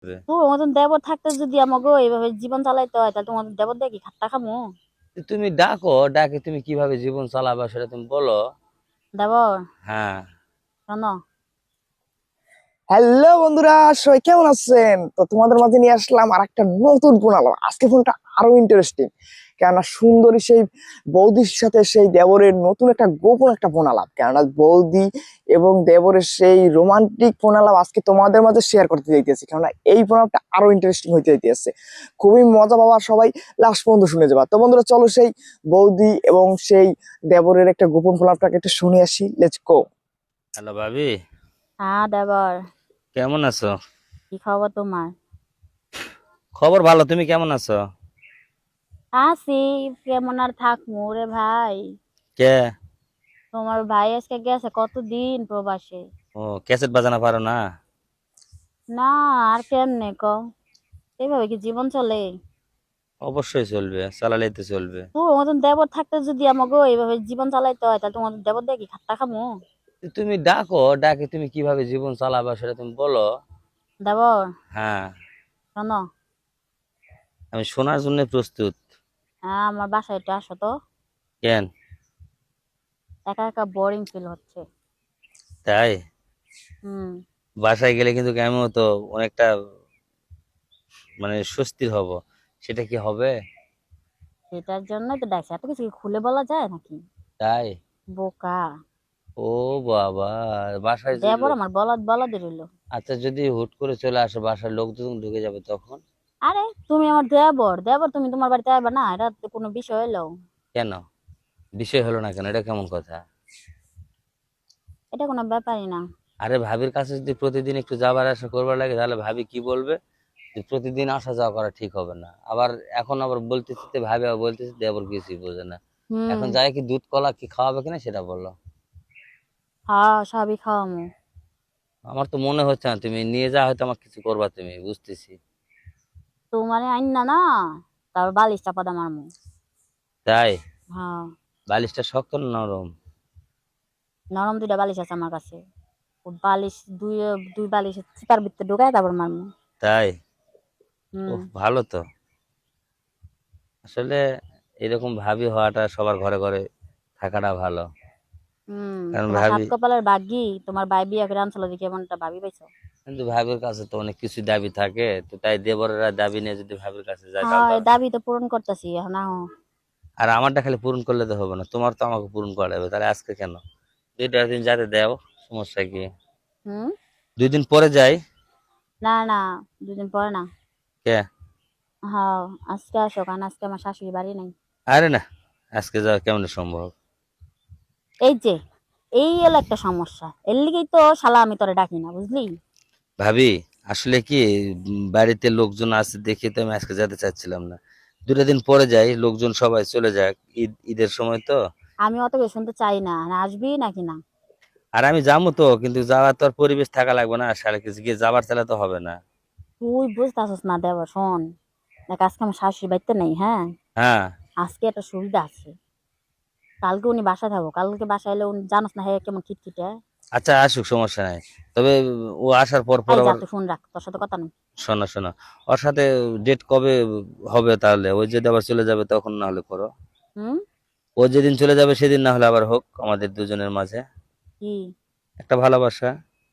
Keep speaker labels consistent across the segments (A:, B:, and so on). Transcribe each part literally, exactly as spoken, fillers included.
A: তোর মতন দেবর থাকতে যদি আমাকে এইভাবে জীবন চালাইতে হয় তাহলে তোমাদের দেবর দিয়ে কি খাট্টা খামু?
B: তুমি ডাকো, ডাকে তুমি কিভাবে জীবন চালাবা সেটা তুমি বলো।
A: দেবর
B: হ্যাঁ।
A: শোনো,
C: হ্যালো বন্ধুরা, সবাই কেমন আছেন? তো তোমাদের মাঝে নিয়ে আসলাম আর একটা নতুন ফোন আলাপ। আজকে ফোনটা আরো ইন্টারেস্টিং, কেননা সুন্দরী সেই বৌদির সাথে সেই দেবরের নতুন একটা গোপন একটা ফোন আলাপ। কেননা বৌদি এবং দেবরের সেই রোমান্টিক ফোন আলাপ আজকে তোমাদের মাঝে শেয়ার করতে চাইতেছি। কেননা এই ফোন আলাপটা আরো ইন্টারেস্টিং হইতে যাইতেছে, খুবই মজা পাবা সবাই, লাস্ট পর্যন্ত শুনে যাবা। তো বন্ধুরা চলো সেই বৌদি এবং সেই দেবরের একটা গোপন ফোন আলাপটাকে একটু শুনে আসি। Let's go.
B: হ্যালো ভাবি,
A: হ্যাঁ দেবর,
B: কেমন আছো?
A: কি খবর তোমার?
B: খবর ভালো, তুমি কেমন আছো?
A: আছি, কেমন আর থাকবো রে ভাই।
B: কে?
A: তোমার ভাই আজকে গেছে কতদিন প্রবাসে।
B: ও, ক্যাসেট বাজানো পারো না?
A: না, আর কেমনে কও, এইভাবে কি জীবন চলে?
B: অবশ্যই চলবে, চালালেই তো চলবে।
A: তোর মতন দেবর থাকতে যদি আমাকে এইভাবে জীবন চালাইতে হয় তাহলে তোমাদের দেবর দিয়ে কি খাট্টা খামু?
B: তুমি ডাকো, ডাকে তুমি কিভাবে জীবন চালাবা সেটা তুমি বলো।
A: দেবর
B: হ্যাঁ,
A: শোনো,
B: আমি শোনার জন্য প্রস্তুত।
A: হ্যাঁ আমার বাসায় একটু আসো তো।
B: কেন?
A: একা একা বোরিং ফিল হচ্ছে।
B: তাই?
A: হুম।
B: বাসায় গেলে কিন্তু আমিও তো অনেকটা মানে স্বস্তির হব, সেটা কি হবে?
A: সেটার জন্যই তো ডাকছি, এত কিছু কি খুলে বলা যায় নাকি?
B: তাই?
A: বোকা।
B: ও বাবা, বাসায় যে
A: দেবর
B: লোক,
A: আমার বলদ বলদই রইলো।
B: আচ্ছা যদি হুট করে চলে আসে বাসার লোক যখন ঢুকে যাবে তখন?
A: আরে তুমি আমার দেবর, দেবর তুমি তোমার বাড়িতে আসবে না, এটা তো কোনো বিষয় হলো?
B: কেন? বিষয় হলো না কেন, এটা কেমন কথা?
A: এটা কোনো ব্যাপারই না।
B: আরে ভাবির কাছে যদি প্রতিদিন একটু যাবার আসা করবার লাগে তাহলে ভাবি কি বলবে, যে প্রতিদিন আসা যাওয়া করা ঠিক হবে না। আবার এখন আবার বলতেছি, ভাবি আবার বলতেছি, দেবর কিছুই বোঝে না।
A: হুম।
B: এখন যাই কি দুধ কলা কি খাওয়াবে কিনা সেটা বললো।
A: হ্যাঁ সবই খাওয়ামু।
B: আমার তো মনে হচ্ছে না তুমি নিয়ে যা, হয়তো আমার কিছু করবা তুমি, বুঝতেছি।
A: তোমারে আইন না না, তারপর বালিশ চাপা দাম মারমু।
B: তাই?
A: হ্যাঁ।
B: বালিশটা শক্ত না নরম?
A: নরম দুইটা বালিশ আছে আমার কাছে। ও বালিশ দুই দুই বালিশ চিপার ভিতরে ঢুকায় তারপর মারমু।
B: তাই?
A: হুম।
B: ওহ ভালো তো। আসলে এরকম ভাবি হওয়াটা সবার ঘরে ঘরে থাকাটা ভালো।
A: হুম।
B: কারণ
A: তোমার সাত
B: ভাবি,
A: কপালের ভাগ্যি তোমার ভাই বিয়া করে আনছিল দেখি এমনটা ভাবি পাইছো।
B: কিন্তু ভাবির কাছে তো অনেক কিছু দাবি থাকে, তো তাই দেবরেরা দাবি নিয়ে যদি ভাবির কাছে যায় তাহলে
A: হ্যাঁ
B: তো।
A: এই দাবি তো পূরণ করতেছি এখন আহ।
B: আর আমারটা খালি পূরণ করলে তো হবে না, তোমার তো আমাকে পূরণ করা হবে। তাহলে আজকে কেন, দুইটা দিন যাতে দেও, সমস্যা কি?
A: হুম।
B: দুই দিন পরে যাই।
A: না না, দুদিন পরে না।
B: কে?
A: হ্যাঁ আজকে আসো, কারণ আজকে আমার শাশুড়ি বাড়ি নাই।
B: আরে না, আজকে যাওয়া কেমন সম্ভব?
A: এই যে, এই হলো একটা সমস্যা, এর লিগেই তো শালা আমি তোরে ডাকি না বুঝলি।
B: ভাবি, আসলে কি, উম, বাড়িতে লোকজন আছে দেখে তো আমি আজকে যেতে চাচ্ছিলাম না। দুটা দিন পরে যাই, লোকজন সবাই চলে যাক, ঈদ ঈদের সময় তো।
A: আমি অত কিছু শুনতে চাই না, না আসবি নাকি না।
B: আর আমি যাবো তো, কিন্তু যাওয়ার তো আর পরিবেশ থাকা লাগবে না, সারা কিছু গিয়ে যাবার চাইলে তো হবে না।
A: তুই বুঝতেছিস না দেবর, শোন দেখ আজকে আমার শাশুড়ি বাড়িতে নেই, হ্যাঁ।
B: হ্যাঁ।
A: আজকে একটা সুবিধা আছে, কালকে উনি বাসায় থাকবো, কালকে বাসায় এলে উনি জানোস না হ্যাঁ কেমন খিটখিটে।
B: আচ্ছা আসুক, সমস্যা নাই। তবে ও আসার পর পর
A: এই যা
B: আবার,
A: তুই ফোন রাখ, তোর সাথে কথা নেই।
B: শোনো শোনো, ওর সাথে ডেট কবে হবে তাহলে? ওই যদি আবার চলে যাবে তখন না হলে করো।
A: হুম।
B: ও যেদিন চলে যাবে সেদিন না হলে আবার হোক আমাদের দুজনের মাঝে
A: কি?
B: একটা ভালোবাসা।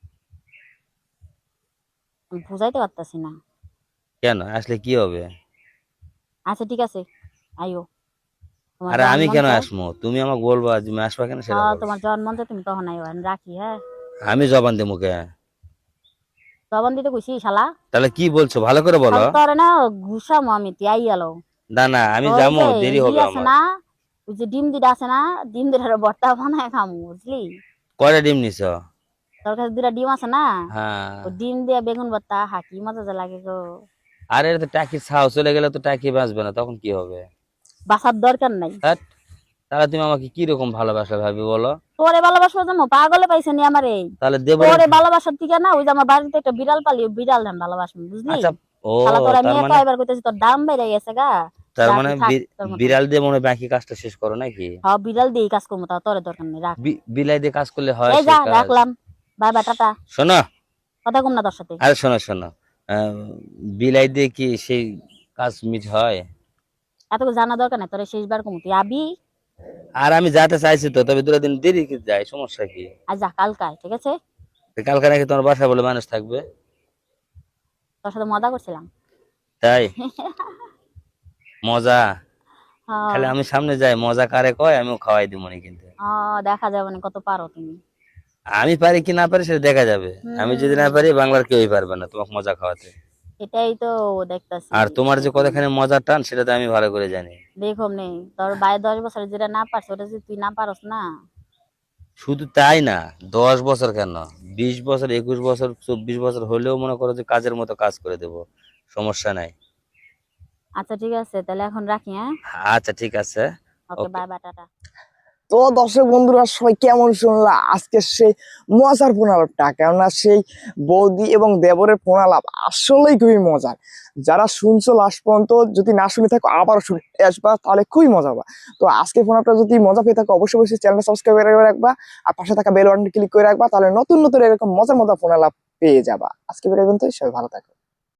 A: আমি বুঝাইতে পারতাছি না।
B: কেন আসলে কি হবে?
A: আচ্ছা ঠিক আছে, আইও, তোমার
B: আরে
A: যখন
B: আমি
A: মন
B: কেন
A: চায়।
B: আসবো, তুমি আমাকে বলবা, তুমি আসবা কেন সেটা
A: হ্যাঁ
B: বলো।
A: তোমার যখন মন চায় তুমি তখন আইও, আমি রাখি হ্যাঁ।
B: আমি জবান দেবো মুখে?
A: জবান দিতে কইছি শালা।
B: তাহলে কি বলছো ভালো করে বলো।
A: তাহলে তোরে না ঘুষামো আমি, তুই আই গেলো।
B: না না, আমি
A: ওই
B: যাবো,
A: যে
B: দেরি
A: ই
B: হবে
A: আছে
B: আমার।
A: না, ওই যে ডিম দুটা আছে না, ডিম দুটার ভর্তা বানায় খামু বুঝলি।
B: কয়টা ডিম নিছ?
A: তোর কাছে দুটা ডিম আছে না,
B: হ্যাঁ।
A: ও ডিম দিয়ে বেগুন ভর্তা হাকি মজা যে লাগে গো।
B: আরে এটা তো টাকি ছাও, চলে গেলে তো টাকি বাঁচবে না, তখন কি হবে?
A: বাসার দরকার নাই।
B: হ্যাট, তাহলে তুমি আমাকে কি রকম ভালোবাসা ভাবি বলো।
A: তোরে ভালোবাসবো যেমন পাগলে পাইছে নি আমার এই।
B: তাহলে দেবরের।
A: তোরে ভালোবাসার থেকে না, ওই যে আমার বাড়িতে একটা বিড়াল পালি, ওই বিড়াল ধান ভালোবাসবো বুঝলি।
B: আচ্ছা। ও,
A: শালা তোর আমি
B: তার
A: একা
B: মানে,
A: এবার কইতেছি, তোর দাম বেড়ে গেছে গা।
B: তার
A: যা
B: মানে
A: তুই থাক
B: বি-
A: তোর মতন।
B: বিড়াল দিয়ে মনে হয় বাকি কাজটা শেষ করো নাকি?
A: হ্যাঁ বিড়াল দিয়ে কাজ করবো, তাও তোরে দরকার নেই, রাখ।
B: বি- বিলাই দিয়ে কাজ করলে হয়
A: এই
B: সে
A: যা
B: কাজ?
A: রাখলাম, বাই বাই টাটা।
B: শোনো,
A: কথা কম না তোর সাথে।
B: আরে শোনো শোনো, আহ, বিলাই দিয়ে কি সেই কাজ মিট হয়?
A: এত কিছু জানা দরকার নাই, তোরে শেষবার কমু, তুই আবি।
B: আর আমি যাতে চাইছি তো, তবে দুটো দিন দেরি কি যায়, সমস্যা কি?
A: আর যা কালকায়, ঠিক আছে?
B: তো কালকে নাকি তোমার বাসায় বলে মানুষ থাকবে?
A: তোর সাথে মজা করছিলাম।
B: তাই? মজা?
A: হ্যাঁ।
B: খালি আমি সামনে যাই, মজা কারে কয় আমিও খাওয়াই দিব মনে, কিন্তু
A: আহ, দেখা যাবে না কত পারো তুমি।
B: আমি পারি কি না পারি সেটা দেখা যাবে। আমি যদি না
A: হুম,
B: পারি, বাংলার কেউই পারবে না তোমাকে মজা খাওয়াতে।
A: এটাই তো দেখতাছি।
B: আর তোমার যে কতখানি মজার টান সেটা তো আমি ভালো করে জানি।
A: দেখো নেই, তোর বাইরে দশ বছরে যেটা না পারছে ওটা যদি তুই না পারস না।
B: শুধু তাই না, দশ বছর কেন, বিশ বছর, একুশ বছর, চব্বিশ বছর হলেও মনে করো যে কাজের মতো কাজ করে দেব, সমস্যা নাই।
A: আচ্ছা ঠিক আছে, তাহলে এখন রাখি, হ্যাঁ?
B: আচ্ছা ঠিক আছে।
A: Okay,
B: okay.
A: Bye bye, tata.
C: তো দর্শক বন্ধুরা সবাই কেমন শুনলা আজকে সেই মজার প্রণালাপটা, কেননা সেই বৌদি এবং দেবরের প্রণালাপ আসলেই খুবই মজার। যারা শুনছো লাস্ট পর্যন্ত, যদি না শুনে থাকো আবারও শুনে আসবা, তাহলে খুবই মজা হবে। তো আজকে প্রণালাপটা যদি মজা পেয়ে থাকো, অবশ্যই অবশ্যই চ্যানেলটা সাবস্ক্রাইব করে রাখবা, আর পাশে থাকা বেল বাটনটি ক্লিক করে রাখবা, তাহলে নতুন নতুন এরকম মজার মজার প্রণালাপ পেয়ে যাবা। আজকে বেরোবেন, তো সবাই ভালো থাকো।